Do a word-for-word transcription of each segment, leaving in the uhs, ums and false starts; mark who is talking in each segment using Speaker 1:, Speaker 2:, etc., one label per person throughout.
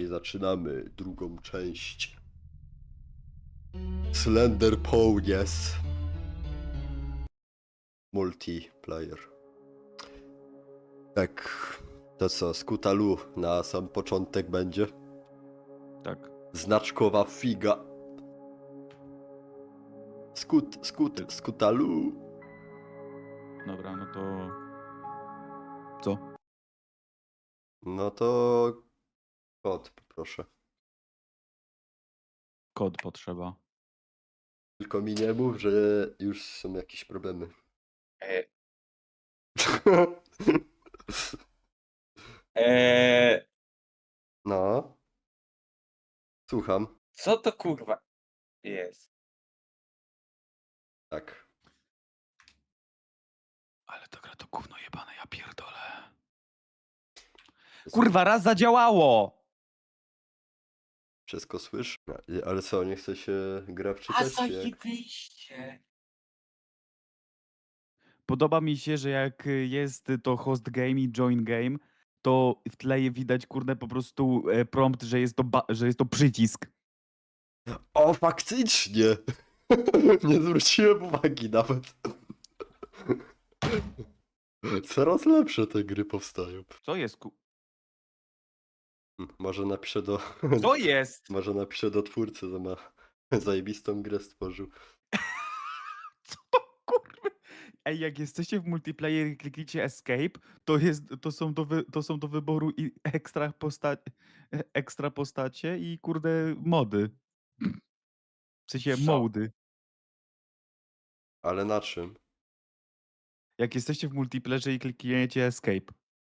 Speaker 1: zaczynamy drugą część. Slender Ponies. Multiplayer. Tak, to co, Skutalu na sam początek będzie?
Speaker 2: Tak.
Speaker 1: Znaczkowa figa. Skut, skut, Skutalu.
Speaker 2: Dobra, no to... Co?
Speaker 1: No to... Kod, poproszę.
Speaker 2: Kod potrzeba.
Speaker 1: Tylko mi nie mów, że już są jakieś problemy.
Speaker 3: E, e,
Speaker 1: No. Słucham.
Speaker 3: co to kurwa jest?
Speaker 1: Tak.
Speaker 2: Ale to gra to gówno jebane, ja pierdolę. Kurwa, raz zadziałało!
Speaker 1: Wszystko słysz? Ale co, nie chce się gra
Speaker 3: A
Speaker 1: wczytać? czy jak?
Speaker 3: zajebiście.
Speaker 2: Podoba mi się, że jak jest to host game i join game, to w tle widać, kurde, po prostu e, prompt, że jest to, ba- że jest to przycisk.
Speaker 1: O, faktycznie! Nie zwróciłem uwagi nawet. Coraz lepsze te gry powstają.
Speaker 2: Co jest ku...
Speaker 1: Hmm, Może napiszę do...
Speaker 2: Co jest?
Speaker 1: Może napiszę do twórcy, że ma zajebistą grę stworzył.
Speaker 2: Co to kurwa? Ej, jak jesteście w multiplayer i klikniecie escape, to, jest, to, są, do wy, to są do wyboru i ekstra, posta ekstra postacie i kurde mody. W sensie
Speaker 3: Co?
Speaker 2: mody.
Speaker 1: Ale na czym?
Speaker 2: Jak jesteście w multiplayerze i klikniecie escape.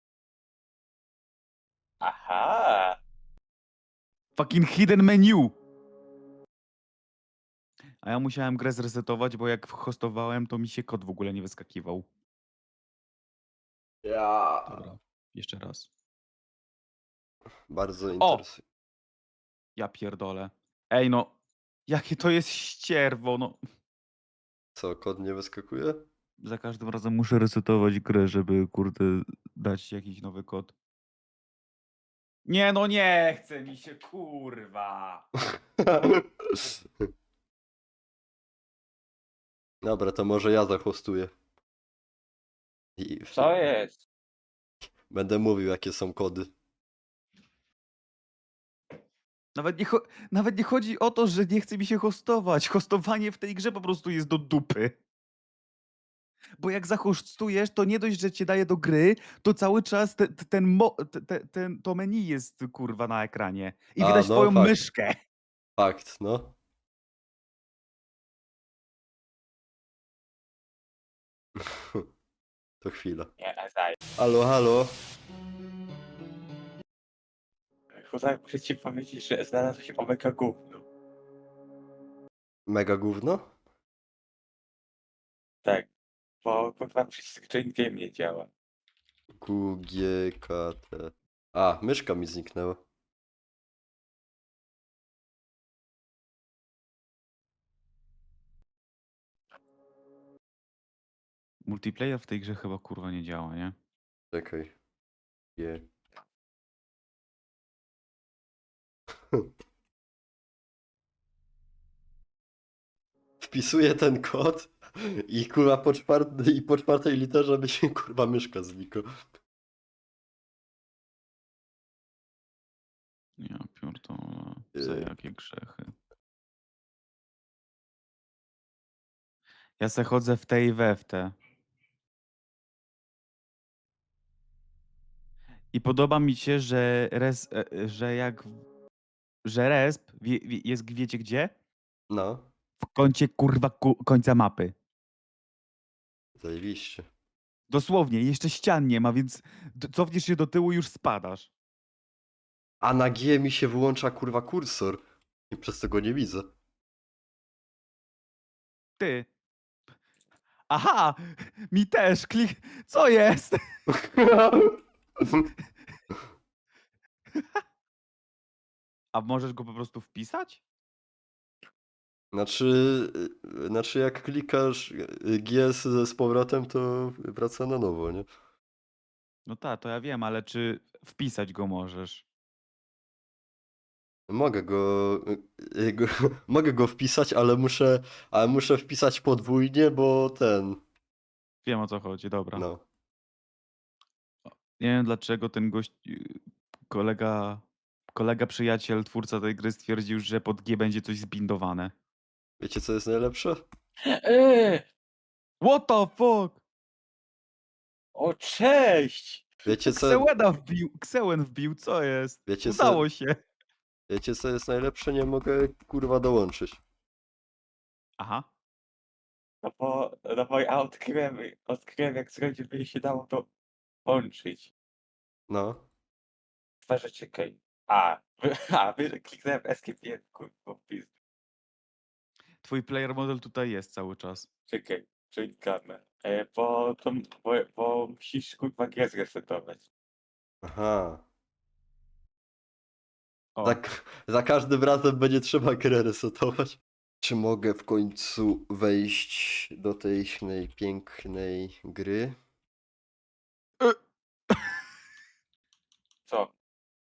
Speaker 3: Aha.
Speaker 2: Fucking hidden menu! A ja musiałem grę zresetować, bo jak hostowałem, to mi się kod w ogóle nie wyskakiwał.
Speaker 1: Ja.
Speaker 2: Dobra, jeszcze raz.
Speaker 1: Bardzo
Speaker 2: O!
Speaker 1: interesujące.
Speaker 2: Ja pierdolę. Ej no, jakie to jest ścierwo, no.
Speaker 1: Co, kod nie wyskakuje?
Speaker 2: Za każdym razem muszę resetować grę, żeby kurde dać jakiś nowy kod. Nie no, nie chce mi się, kurwa.
Speaker 1: Dobra, to może ja zahostuję. I
Speaker 3: Co jest?
Speaker 1: będę mówił, jakie są kody.
Speaker 2: Nawet nie, cho- nawet nie chodzi o to, że nie chce mi się hostować. Hostowanie w tej grze po prostu jest do dupy. Bo jak zahostujesz, to nie dość, że cię daje do gry, to cały czas te, te, ten, mo- te, te, ten, to menu jest kurwa na ekranie. I
Speaker 1: A,
Speaker 2: widać
Speaker 1: no,
Speaker 2: twoją
Speaker 1: fakt.
Speaker 2: myszkę.
Speaker 1: Fakt, no. To chwila.
Speaker 3: Nie, a zaj.
Speaker 1: Halo, halo.
Speaker 3: Kurwa, muszę ci powiedzieć, że znalazło się omega gówno.
Speaker 1: Mega gówno?
Speaker 3: Tak. Bo kurwa przycisk join game nie działa.
Speaker 1: Q, G, K, T. A, myszka mi zniknęła.
Speaker 2: Multiplayer w tej grze chyba kurwa nie działa, nie?
Speaker 1: Czekaj. G. Wpisuję ten kod i kurwa po, czwart- i po czwartej literze mi się kurwa myszka znika.
Speaker 2: Ja pierdolę. Za
Speaker 1: Yy.
Speaker 2: jakie grzechy. Ja se chodzę w te i we w te. I podoba mi się, że res, e, że jak, że resp wie, wie, jest wiecie gdzie?
Speaker 1: No,
Speaker 2: W kącie kurwa ku, końca mapy.
Speaker 1: zajebiście.
Speaker 2: Dosłownie, jeszcze ścian nie ma, więc d- cofniesz się do tyłu i już spadasz.
Speaker 1: A na G mi się wyłącza kurwa kursor. I przez to go nie widzę.
Speaker 2: Ty. Aha! Mi też, klik... Co jest? A możesz go po prostu wpisać?
Speaker 1: Znaczy, y, znaczy jak klikasz y, G z, z powrotem, to wraca na nowo, nie?
Speaker 2: No tak, to ja wiem, ale czy wpisać go możesz?
Speaker 1: Mogę go, y, go mogę go wpisać, ale muszę, ale muszę wpisać podwójnie, bo ten,
Speaker 2: Wiem o co chodzi, dobra.
Speaker 1: no.
Speaker 2: Nie wiem dlaczego ten gość, y, kolega, kolega, przyjaciel, twórca tej gry stwierdził, że pod G będzie coś zbindowane.
Speaker 1: Wiecie co jest najlepsze?
Speaker 3: Eee,
Speaker 2: What the fuck?
Speaker 3: o cześć!
Speaker 1: Wiecie co,
Speaker 2: Xełena wbił, Xeuen wbił, co jest?
Speaker 1: wiecie co,
Speaker 2: Udało się.
Speaker 1: wiecie co jest najlepsze? Nie mogę kurwa dołączyć.
Speaker 2: Aha.
Speaker 3: No bo, no bo ja odkryłem, odkryłem jak zrobić, by się dało to łączyć.
Speaker 1: No.
Speaker 3: Dwa rzeczy, czekaj. A, wy- a, wy- kliknąłem escape, nie, kurwa, wpis.
Speaker 2: Twój player model tutaj jest cały czas.
Speaker 3: Czekaj, czekamy. E, bo to, bo, bo musisz kurwa grę zresetować.
Speaker 1: Aha.
Speaker 2: O,
Speaker 1: Za, k- za każdym razem będzie trzeba grę resetować. Czy mogę w końcu wejść do tej tej pięknej gry?
Speaker 3: Co?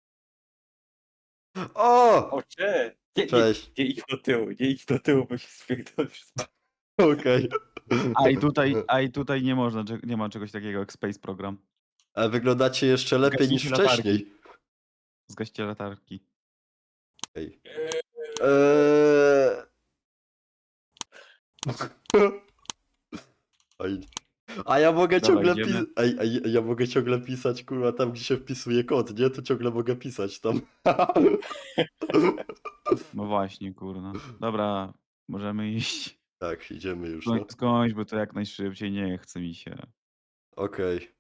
Speaker 1: O!
Speaker 3: O, cześć! Nie, nie,
Speaker 1: Cześć.
Speaker 3: nie idź do tyłu, nie idź do tyłu, bo się spierdolisz.
Speaker 1: Okej.
Speaker 2: a i tutaj, a i tutaj nie można, cze- nie ma czegoś takiego jak Space Program.
Speaker 1: Ale wyglądacie jeszcze lepiej niż
Speaker 2: Zgaśnijcie latarki.
Speaker 1: wcześniej.
Speaker 2: Zgaście latarki.
Speaker 1: Ej. Eee... Oj. A ja mogę
Speaker 2: Dobra,
Speaker 1: ciągle
Speaker 2: idziemy.
Speaker 1: pisać. Ej, ej, ja mogę ciągle pisać, kurwa, tam gdzie się wpisuje kod, nie? To ciągle mogę pisać tam.
Speaker 2: No właśnie, kurna. Dobra, możemy iść.
Speaker 1: Tak, idziemy już, no.
Speaker 2: Skoń- Skończ, bo to jak najszybciej, nie chce mi się.
Speaker 1: Okej.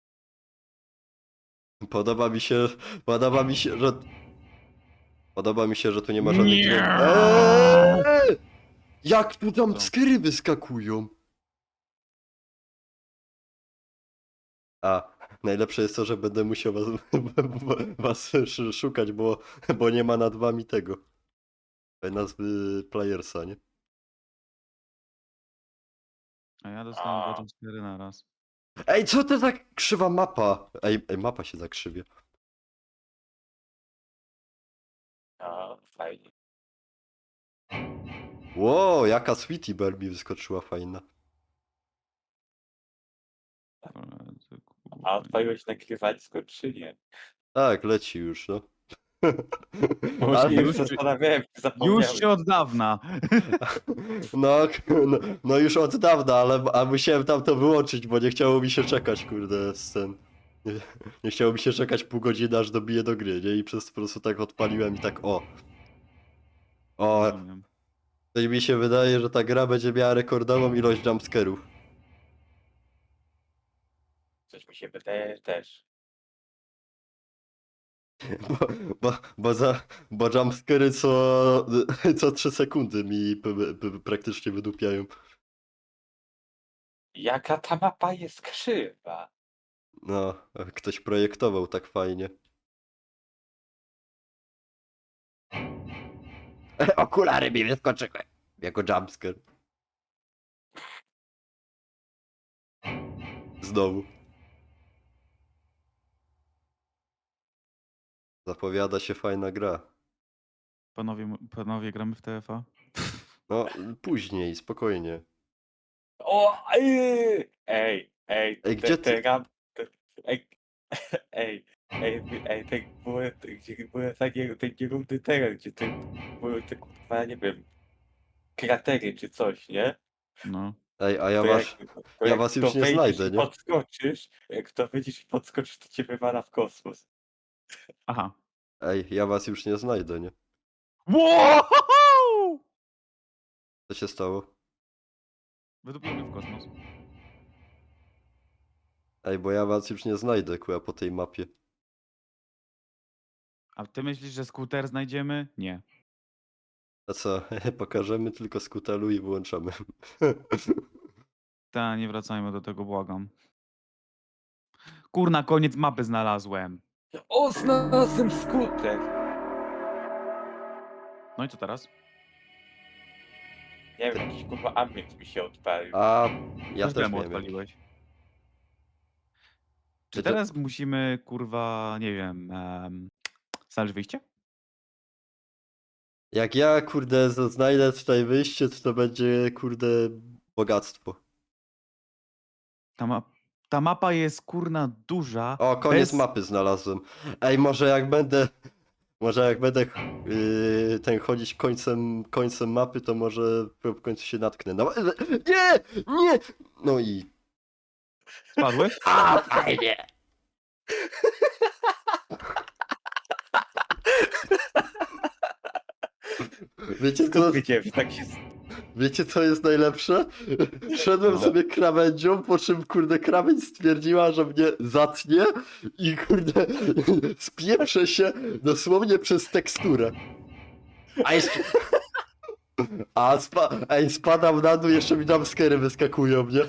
Speaker 1: Podoba mi się, podoba mi się, że... Podoba mi się, że tu nie ma żadnych
Speaker 2: Nie!
Speaker 1: dźwięków. Eee! Jak tu tam
Speaker 2: Co?
Speaker 1: skry wyskakują? A, najlepsze jest to, że będę musiał was, was sz- szukać, bo, bo nie ma nad wami tego. Nazwy playersa, nie?
Speaker 2: A ja dostałem
Speaker 3: A.
Speaker 2: dwa jumpscary na raz.
Speaker 1: Ej, co to za krzywa mapa? Ej, ej mapa się zakrzywia.
Speaker 3: A, fajnie.
Speaker 1: Ło, jaka Sweetie Bear mi wyskoczyła fajna.
Speaker 2: Ale to, kurwa,
Speaker 3: A odpaliłeś nagrywanie czy nie?
Speaker 1: Tak, leci już, no.
Speaker 3: Bo
Speaker 1: Ale-
Speaker 3: się już
Speaker 2: już-
Speaker 3: zastanawiałem, zapomniałem.
Speaker 2: Już się od dawna.
Speaker 1: No, no, no już od dawna, ale a musiałem tam to wyłączyć, bo nie chciało mi się czekać, kurde, z ten. Nie, nie chciało mi się czekać pół godziny, aż dobiję do gry, nie? I przez to po prostu tak odpaliłem i tak o. O,
Speaker 2: Rozumiem.
Speaker 1: to mi się wydaje, że ta gra będzie miała rekordową ilość jumpscarów.
Speaker 3: Coś mi się wydaje też.
Speaker 1: Bo, bo, bo, za, bo jumpscary co, co trzy sekundy mi p, p, praktycznie wydupiają.
Speaker 3: Jaka ta mapa jest krzywa?
Speaker 1: No, ktoś projektował tak fajnie. Okulary mi wyskoczyły. Jako jumpscare. Znowu. Zapowiada się fajna gra.
Speaker 2: Panowie, panowie, gramy w T F A?
Speaker 1: No, później, spokojnie.
Speaker 3: O, ej, ej, ej,
Speaker 1: Ej,
Speaker 3: te-
Speaker 1: gdzie
Speaker 3: te
Speaker 1: ty-
Speaker 3: ram- te- Ej, ej, ej, ej, te były, te- gdzie były takie, te nierówny teren, gdzie te były te kurwa, nie wiem, kratery czy coś, nie?
Speaker 2: No.
Speaker 1: Ej, a ja
Speaker 3: To
Speaker 1: was,
Speaker 3: jak, to
Speaker 1: ja
Speaker 3: jak
Speaker 1: was
Speaker 3: to
Speaker 1: już nie
Speaker 3: wejdziesz
Speaker 1: znajdę,
Speaker 3: i
Speaker 1: nie?
Speaker 3: podskoczysz, jak to wyjdziesz i podskoczysz, to cię wywala w kosmos.
Speaker 2: Aha.
Speaker 1: Ej, ja was już nie znajdę, nie?
Speaker 2: Wow!
Speaker 1: Co się stało?
Speaker 2: Wydupił mnie w kosmos.
Speaker 1: Ej, bo ja was już nie znajdę, kuja, po tej mapie.
Speaker 2: A ty myślisz, że skuter znajdziemy? Nie.
Speaker 1: A co, pokażemy tylko skutelu i wyłączamy.
Speaker 2: Ta, nie wracajmy do tego, błagam. Kurna, koniec mapy znalazłem.
Speaker 3: O, znalazłem skutek!
Speaker 2: No i co teraz?
Speaker 3: Nie wiem, jakiś kurwa ambient mi się odpalił.
Speaker 1: A ja
Speaker 2: Też
Speaker 1: też
Speaker 2: demo
Speaker 1: miałem jakiś.
Speaker 2: odpaliłeś. Czy
Speaker 1: Czy to-
Speaker 2: teraz musimy, kurwa, nie wiem, um, znaleźć wyjście?
Speaker 1: Jak ja, kurde, z- znajdę tutaj wyjście, to to będzie, kurde, bogactwo.
Speaker 2: Ta, ma ta mapa jest kurna duża.
Speaker 1: O, koniec
Speaker 2: bez...
Speaker 1: mapy znalazłem. Ej, może jak będę, może jak będę yy, ten chodzić końcem, końcem mapy, to może w końcu się natknę. No, nie, nie! No i...
Speaker 2: Spadłeś?
Speaker 1: A, fajnie! Wiecie co,
Speaker 3: Skąd wiedziałem, że tak się... s-
Speaker 1: wiecie co jest najlepsze? Szedłem
Speaker 3: No.
Speaker 1: sobie krawędzią, po czym kurde krawędź stwierdziła, że mnie zatnie i kurde spieprzę się dosłownie przez teksturę. A jeszcze... A spa... Ej, spadam na dół, jeszcze mi tam skery wyskakują, nie?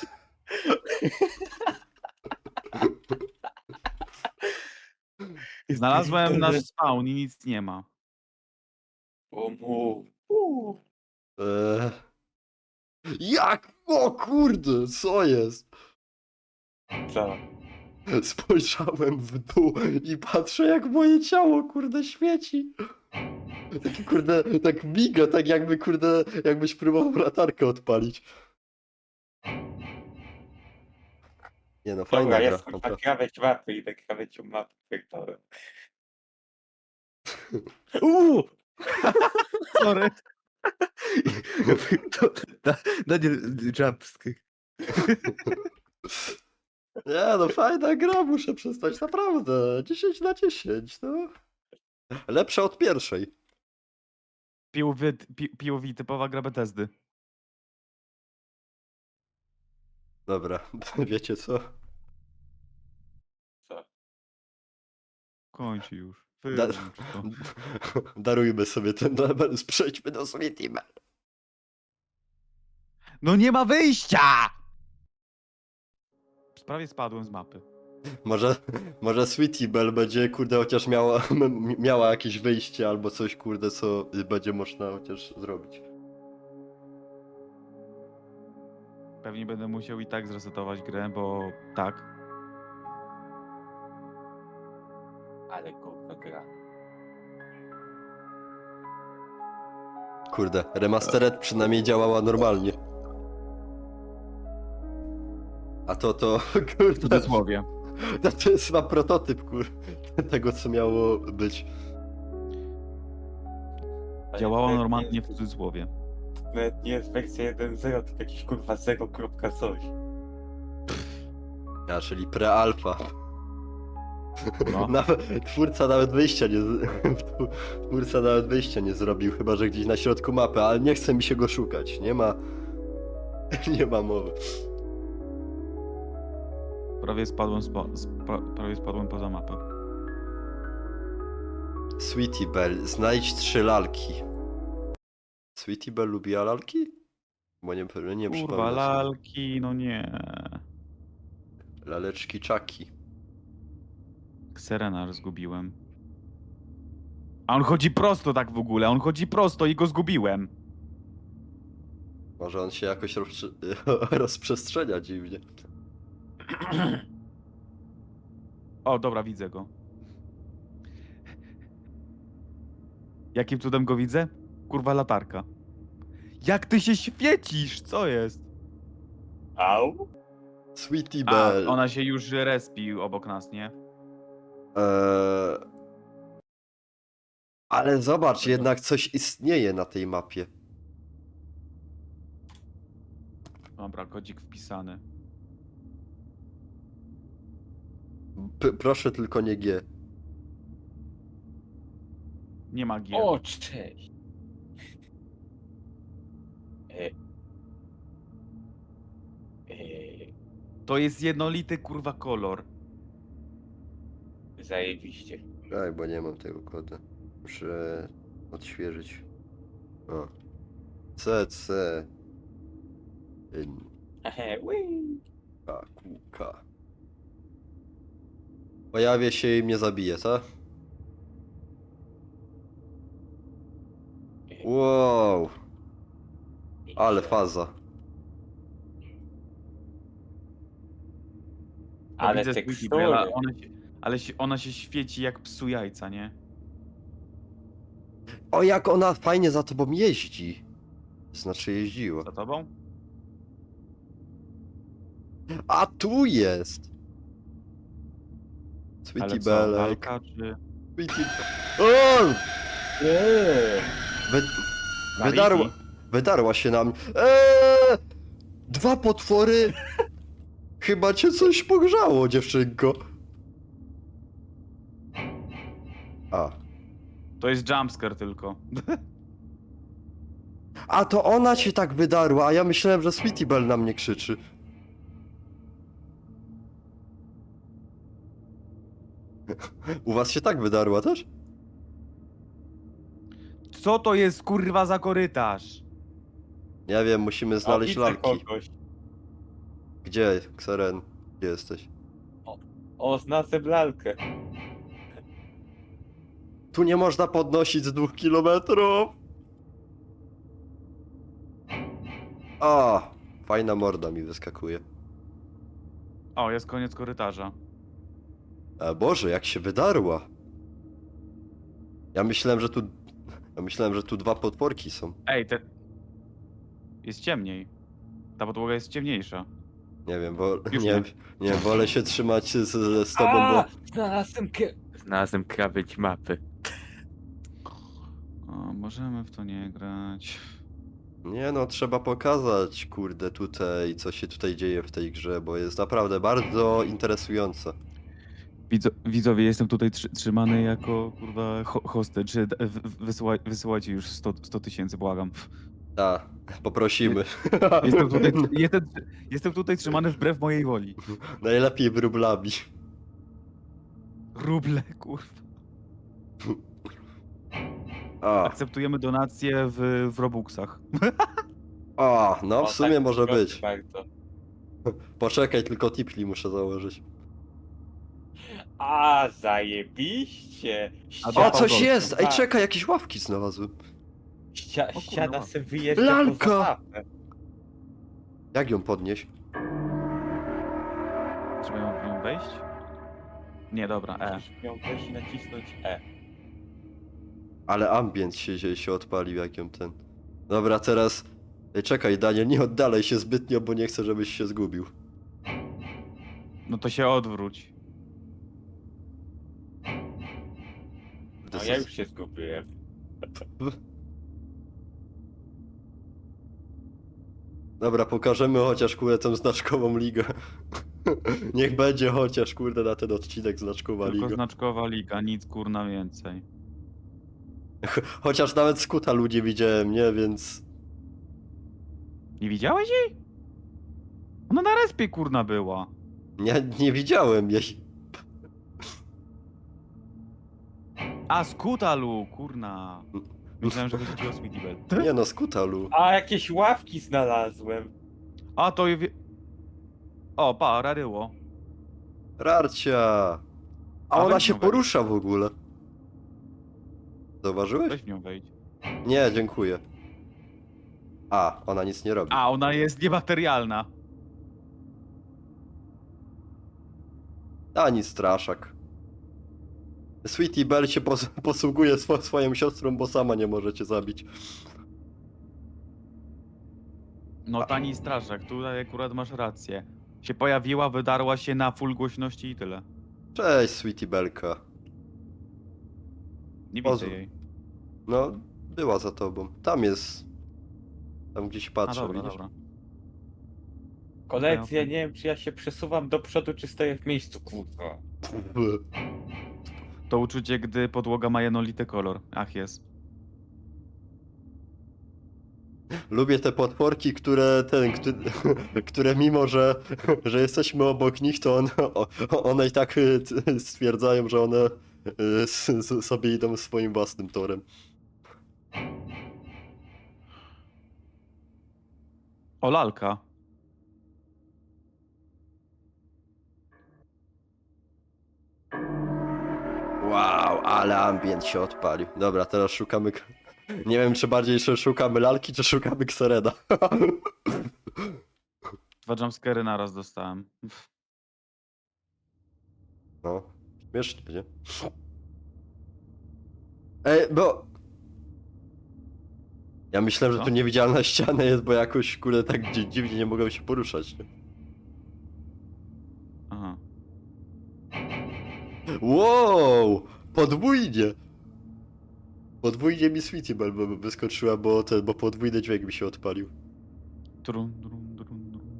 Speaker 2: Znalazłem nasz spawn i nic nie ma.
Speaker 3: O mu. Uuu.
Speaker 1: Eee... Jak? O kurde, co jest?
Speaker 3: Co?
Speaker 1: Spojrzałem w dół i patrzę jak moje ciało kurde świeci. Taki kurde, tak miga, tak jakby kurde, jakbyś próbował latarkę odpalić. Nie no, fajna
Speaker 3: Dobra,
Speaker 1: gra.
Speaker 3: jest kurwa
Speaker 1: naprawdę.
Speaker 3: krawędź mapy i tak krawędzią mapy pierdolę.
Speaker 2: Uuu! Sorry. To, da, Daniel, jumpscare.
Speaker 1: Nie no, fajna gra, muszę przestać, naprawdę. dziesięć na dziesięć, no. Lepsza od pierwszej.
Speaker 2: Piłowi, pi, piłowi typowa gra Bethesdy.
Speaker 1: Dobra, wiecie co?
Speaker 3: Co?
Speaker 2: Kończy już.
Speaker 1: Da
Speaker 2: Wyłącz to.
Speaker 1: darujmy sobie ten level, przejdźmy do Sweetie Belle.
Speaker 2: No nie ma wyjścia! Prawie spadłem z mapy.
Speaker 1: Może, może Sweetie Belle będzie, kurde, chociaż miała, m- miała jakieś wyjście albo coś, kurde, co będzie można chociaż zrobić.
Speaker 2: Pewnie będę musiał i tak zresetować grę, bo tak.
Speaker 3: Ale kurwa gra.
Speaker 1: Kurde, remastered przynajmniej działała normalnie. A to, to,
Speaker 2: W
Speaker 1: kurde,
Speaker 2: cudzysłowie.
Speaker 1: to, to jest chyba prototyp, kurde, tego, co miało być.
Speaker 3: Ale
Speaker 2: Działała
Speaker 3: nawet
Speaker 2: normalnie
Speaker 3: nie
Speaker 2: w
Speaker 3: jest-
Speaker 2: cudzysłowie.
Speaker 3: Nawet nie jest wersja jeden zero, tylko jakiś kurwa zero kropka coś.
Speaker 1: A, czyli pre-alpha.
Speaker 2: No.
Speaker 1: Nawet, twórca nawet wyjścia nie, z- twórca nawet wyjścia nie zrobił, chyba że gdzieś na środku mapy, ale nie chce mi się go szukać, nie ma, nie ma mowy.
Speaker 2: Prawie spadłem, spo, spa, prawie spadłem poza mapę.
Speaker 1: Sweetie Belle, znajdź trzy lalki. Sweetie Belle lubiła lalki? Bo nie, nie
Speaker 2: Kurwa,
Speaker 1: przypomnę sobie.
Speaker 2: lalki, no nie.
Speaker 1: Laleczki czaki.
Speaker 2: Serenar zgubiłem. A on chodzi prosto tak w ogóle, on chodzi prosto i go zgubiłem.
Speaker 1: Może on się jakoś rozprze- rozprzestrzenia dziwnie.
Speaker 2: O, dobra, widzę go. Jakim cudem go widzę? Kurwa, latarka. Jak ty się świecisz? Co jest?
Speaker 3: Au?
Speaker 1: Sweetie
Speaker 2: A,
Speaker 1: Belle.
Speaker 2: ona się już respi obok nas, nie?
Speaker 1: Eee... Ale zobacz, jednak coś istnieje na tej mapie.
Speaker 2: Dobra, kodzik wpisany.
Speaker 1: P- proszę tylko nie G.
Speaker 2: Nie ma gier.
Speaker 3: O, cześć. E... E...
Speaker 2: To jest jednolity kurwa kolor.
Speaker 3: Zajebiście.
Speaker 1: Tak, bo nie mam tego kodu. Muszę odświeżyć. O. C, C. N,
Speaker 3: Ehe, ui.
Speaker 1: K, Q, K. Pojawię się i mnie zabije, co? Wow, ale faza.
Speaker 2: Bo
Speaker 3: Ale
Speaker 2: widzę
Speaker 3: tekstury.
Speaker 2: Sweetie Belle, ale ona się, ale się, ona się świeci jak psu jajca, nie?
Speaker 1: O, jak ona fajnie za tobą jeździ. Znaczy jeździła.
Speaker 2: Za tobą?
Speaker 1: A tu jest!
Speaker 2: Ale
Speaker 1: Sweetie
Speaker 2: co,
Speaker 1: Belek.
Speaker 2: lalka czy...
Speaker 1: Sweetie... O!
Speaker 3: Eee,
Speaker 1: Wy...
Speaker 2: Na
Speaker 1: Wydarła...
Speaker 2: Wi-Fi.
Speaker 1: Wydarła się na mnie. Eee! Dwa potwory! Chyba cię coś pogrzało, dziewczynko. A.
Speaker 2: To jest jumpscare tylko.
Speaker 1: A to ona cię tak wydarła, a ja myślałem, że Sweetie Belle na mnie krzyczy. U was się tak wydarła też?
Speaker 2: Co to jest kurwa za korytarz?
Speaker 1: Nie wiem, musimy
Speaker 3: a
Speaker 1: znaleźć
Speaker 3: widzę
Speaker 1: lalki.
Speaker 3: kogoś.
Speaker 1: Gdzie, Kseren? Gdzie jesteś?
Speaker 3: O, znalazłem lalkę.
Speaker 1: Tu nie można podnosić z dwóch kilometrów. A, fajna morda mi wyskakuje.
Speaker 2: O, jest koniec korytarza.
Speaker 1: A Boże, jak się wydarła. Ja myślałem, że tu... Ja myślałem, że tu dwa potworki są.
Speaker 2: Ej, te... Jest ciemniej. Ta podłoga jest ciemniejsza.
Speaker 1: Nie wiem, bo...
Speaker 2: Już
Speaker 1: Nie,
Speaker 2: nie.
Speaker 1: nie wiem, wolę się trzymać z, z tobą, bo...
Speaker 3: A, znalazłem k... Znalazłem krawędź mapy.
Speaker 2: O, możemy w to nie grać.
Speaker 1: Nie no, trzeba pokazać, kurde, tutaj, co się tutaj dzieje w tej grze, bo jest naprawdę bardzo interesujące.
Speaker 2: Widzo, widzowie, jestem tutaj trzy, trzymany jako kurwa ho, hostage. D- w- w- Wysyłaj, wysyłajcie już sto tysięcy, błagam.
Speaker 1: Tak, poprosimy.
Speaker 2: Jestem tutaj, jestem, jestem tutaj trzymany wbrew mojej woli.
Speaker 1: Najlepiej wróblami.
Speaker 2: Ruble, kurwa.
Speaker 1: A,
Speaker 2: Akceptujemy donacje w, w Robuxach.
Speaker 1: a, no w
Speaker 3: O,
Speaker 1: sumie
Speaker 3: tak,
Speaker 1: może
Speaker 3: proszę
Speaker 1: być.
Speaker 3: Bardzo.
Speaker 1: Poczekaj, tylko tipli muszę założyć.
Speaker 3: A, zajebiście!
Speaker 2: A
Speaker 1: O,
Speaker 2: Zapał
Speaker 1: coś
Speaker 2: gold.
Speaker 1: jest! Ej,
Speaker 3: Tak.
Speaker 1: czekaj, jakieś ławki znalazłem.
Speaker 3: Ścia
Speaker 2: kurwa.
Speaker 3: ściana se wyjeżdża
Speaker 1: Lalka!
Speaker 3: poza mapę.
Speaker 1: Jak ją podnieść?
Speaker 2: Trzeba ją w nią wejść? Nie, dobra, E.
Speaker 3: Musisz miał wejść i nacisnąć E.
Speaker 1: Ale ambient się, się, się odpalił, jak ją ten... Dobra, teraz... Ej, czekaj, Daniel, nie oddalaj się zbytnio, bo nie chcę, żebyś się zgubił.
Speaker 2: No to się odwróć.
Speaker 3: No ja już się zgubiłem.
Speaker 1: Dobra, pokażemy chociaż, kurde, tą znaczkową ligę. Niech będzie chociaż, kurde, na ten odcinek znaczkowa
Speaker 2: Tylko
Speaker 1: liga.
Speaker 2: znaczkowa liga, nic kurna więcej.
Speaker 1: Chociaż nawet skuta ludzi widziałem, nie? Więc...
Speaker 2: Nie widziałeś jej? Ona na respie kurna była.
Speaker 1: Nie, nie widziałem jej.
Speaker 2: A, Skutalu, kurna. Myślałem, że chodzi ci o Sweetie Belle.
Speaker 1: Nie no, skutalu.
Speaker 3: A, jakieś ławki znalazłem.
Speaker 2: A, to je... wie- O, pa, raryło.
Speaker 1: Rarcia! A
Speaker 2: A
Speaker 1: ona
Speaker 2: weź
Speaker 1: się
Speaker 2: ją wejdź.
Speaker 1: porusza w ogóle. Zauważyłeś?
Speaker 2: Weź w nią wejdź.
Speaker 1: Nie, dziękuję. A, ona nic nie robi.
Speaker 2: A, ona jest niematerialna.
Speaker 1: Ani straszak. Sweetie Belle się pos posługuje swo swoją siostrą, bo sama nie może cię zabić.
Speaker 2: No tani straszak, tutaj akurat masz rację. Się pojawiła, wydarła się na full głośności i tyle.
Speaker 1: Cześć, Sweetie Belka.
Speaker 2: Nie
Speaker 1: Pozwól.
Speaker 2: widzę jej.
Speaker 1: No, była za tobą. Tam jest. Tam gdzieś
Speaker 2: A,
Speaker 1: patrzę,
Speaker 2: dobra,
Speaker 1: widzisz?
Speaker 2: dobra.
Speaker 3: Kolekcja,
Speaker 2: Okej, okej.
Speaker 3: nie wiem czy ja się przesuwam do przodu, czy stoję w miejscu, kurwa.
Speaker 2: To uczucie, gdy podłoga ma jednolity kolor. Ach, jest.
Speaker 1: Lubię te potworki, które ten, które, które mimo, że, że jesteśmy obok nich, to one, o- one i tak y, t- stwierdzają, że one y, s- s- sobie idą swoim własnym torem.
Speaker 2: O, lalka.
Speaker 1: Wow, ale ambient się odpalił. Dobra, teraz szukamy... k- Nie wiem, czy bardziej czy szukamy lalki, czy szukamy Xereda.
Speaker 2: Dwa jumpscary naraz dostałem.
Speaker 1: No, śmiesznie, nie? Ej, bo... Ja myślałem, że
Speaker 2: Co?
Speaker 1: tu niewidzialna ściana jest, bo jakoś kurde tak dzi- dziwnie nie mogłem się poruszać. Nie?
Speaker 2: Aha.
Speaker 1: Wow! Podwójnie! Podwójnie mi Sweetie Belle by- wyskoczyła, bo ten, bo podwójny dźwięk mi się odpalił.
Speaker 2: Trun, trun, trun, trun.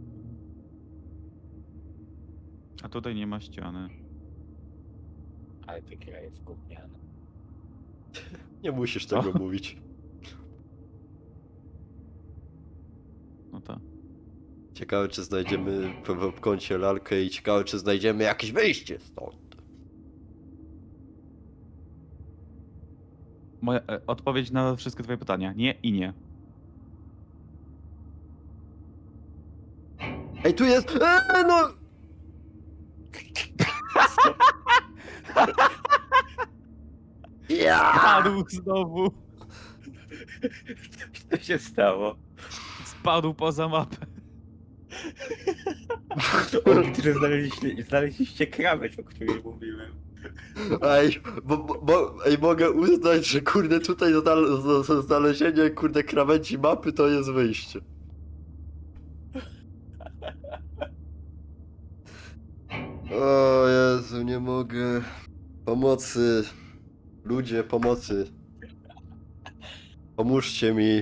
Speaker 2: A tutaj nie ma ściany.
Speaker 3: Ale ta gra jest gówniana.
Speaker 1: Nie musisz
Speaker 2: Co?
Speaker 1: tego mówić.
Speaker 2: No tak.
Speaker 1: Ciekawe, czy znajdziemy w, w, w kącie lalkę i ciekawe, czy znajdziemy jakieś wyjście stąd.
Speaker 2: Moja e, odpowiedź na wszystkie twoje pytania. Nie i nie.
Speaker 1: Ej, tu jest... Eee, no! Ja!
Speaker 2: Spadł znowu.
Speaker 3: Co się stało?
Speaker 2: Spadł poza mapę.
Speaker 3: Oni, którzy znaleźliście, znaleźliście krawędź, o której mówiłem.
Speaker 1: Ej, bo, bo, bo, ej, mogę uznać, że kurde tutaj znal- z- z- znalezienie kurde krawędzi mapy to jest wyjście. O Jezu, nie mogę. Pomocy. Ludzie, pomocy. Pomóżcie mi.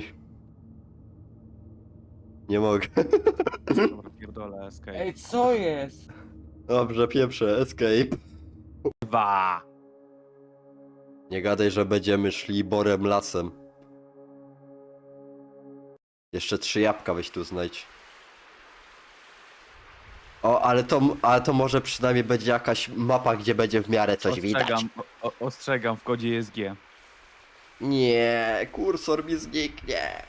Speaker 1: Nie mogę.
Speaker 2: Dobra, pierdolę, escape.
Speaker 3: Ej, co jest?
Speaker 1: Dobrze, pieprzę, escape.
Speaker 2: Dwa.
Speaker 1: Nie gadaj, że będziemy szli borem lasem. Jeszcze trzy jabłka weź tu znajdź. O, ale to, ale to może przynajmniej będzie jakaś mapa, gdzie będzie w miarę coś widać.
Speaker 2: Ostrzegam, o, o, ostrzegam, w kodzie jest G.
Speaker 1: Nie, kursor mi zniknie.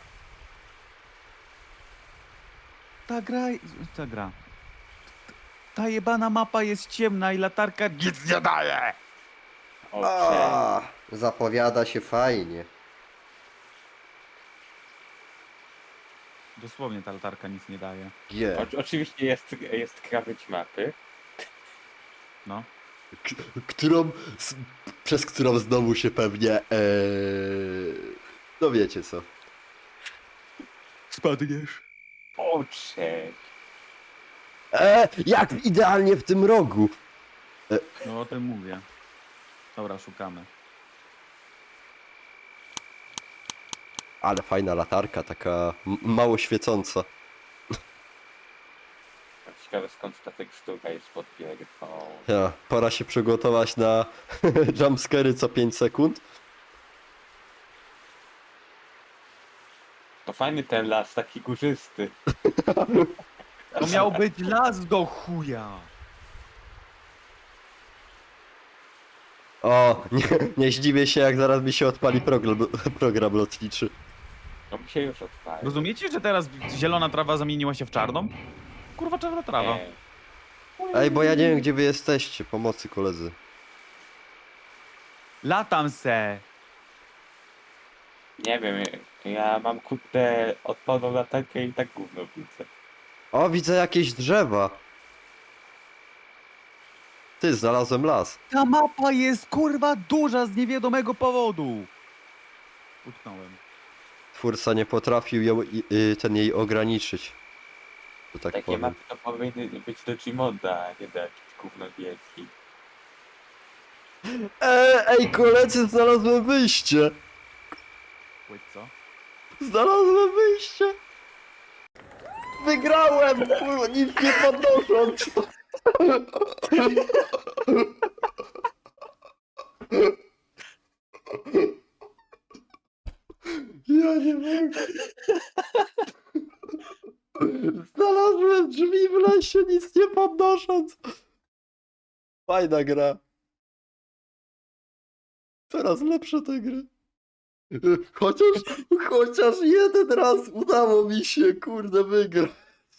Speaker 2: Ta gra... Ta gra. Ta jebana mapa jest ciemna i latarka nic nie daje!
Speaker 3: O, cześć.
Speaker 1: Zapowiada się fajnie.
Speaker 2: Dosłownie ta latarka nic nie daje.
Speaker 1: G.
Speaker 3: O, oczywiście jest, jest krawędź mapy.
Speaker 2: No.
Speaker 1: K- którą, s- przez którą znowu się pewnie, ee, no wiecie co.
Speaker 2: Spadniesz.
Speaker 3: O, cześć.
Speaker 1: E, jak idealnie w tym rogu.
Speaker 2: No o tym mówię. Dobra, szukamy.
Speaker 1: Ale fajna latarka, taka m- mało świecąca.
Speaker 3: Ciekawe skąd ta tekstura jest pod biegiem.
Speaker 1: Ja, pora się przygotować na jumpscary co pięć sekund.
Speaker 3: To fajny ten las, taki górzysty.
Speaker 2: To miał być las do chuja.
Speaker 1: O, nie, nie zdziwię się jak zaraz mi się odpali program, program lotniczy.
Speaker 3: No mi się już odpalił.
Speaker 2: Rozumiecie, że teraz zielona trawa zamieniła się w czarną? Kurwa, czarna trawa.
Speaker 3: Nie.
Speaker 1: Ej, bo ja nie wiem gdzie wy jesteście, pomocy koledzy.
Speaker 2: Latam se.
Speaker 3: Nie wiem, ja mam kurde odpaloną latarkę i tak gówno widzę.
Speaker 1: O, widzę jakieś drzewa. Ty, znalazłem las.
Speaker 2: Ta mapa jest kurwa duża z niewiadomego powodu. Utknąłem.
Speaker 1: Twórca nie potrafił ją, i- y, ten jej ograniczyć. To tak
Speaker 3: Takie
Speaker 1: powiem.
Speaker 3: mapy to powinny być do Gmonda, a nie do jakichś gówno wielki.
Speaker 1: Ej, ej, koledzy, znalazłem wyjście!
Speaker 2: Wait, co?
Speaker 1: Znalazłem wyjście! Wygrałem! Kurwa, nic nie podnosząc! Ja nie mogę. Znalazłem drzwi w lesie, nic nie podnosząc. Fajna gra. Coraz lepsze te gry. Chociaż, chociaż jeden raz udało mi się, kurde, wygrać.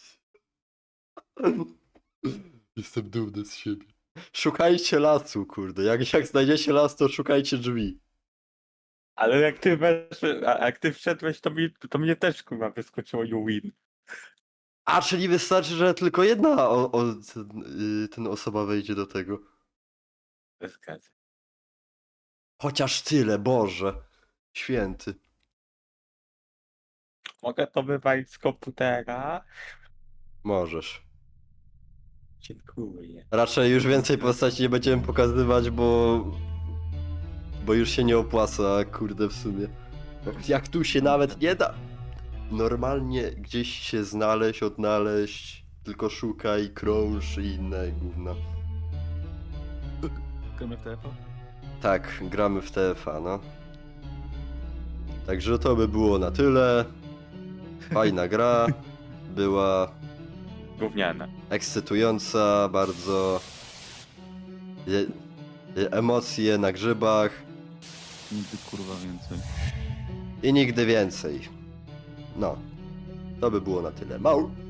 Speaker 1: Jestem dumny z siebie. Szukajcie lasu, kurde. Jak, jak znajdziecie las, to szukajcie drzwi.
Speaker 3: Ale jak ty, wesz, a jak ty wszedłeś, to, mi, to mnie też kurwa wyskoczyło you win.
Speaker 1: A, czyli wystarczy, że tylko jedna o, o, ten, y, ten osoba wejdzie do tego.
Speaker 3: Zgadzam.
Speaker 1: Chociaż tyle, Boże. Święty.
Speaker 3: mogę to wywalić z komputera?
Speaker 1: Możesz.
Speaker 3: Dziękuję.
Speaker 1: Raczej już więcej postaci nie będziemy pokazywać, bo... Bo już się nie opłaca, kurde, w sumie. Jak tu się nawet nie da normalnie gdzieś się znaleźć, odnaleźć, tylko szukaj, krąż i inne gówna.
Speaker 2: Gramy w T F A?
Speaker 1: Tak, gramy w T F A, no. Także to by było na tyle. Fajna gra. Była
Speaker 3: Gówniane.
Speaker 1: ekscytująca, bardzo... Je... je- Emocje na grzybach
Speaker 2: Nigdy kurwa więcej.
Speaker 1: i nigdy więcej. No. To by było na tyle. Mał.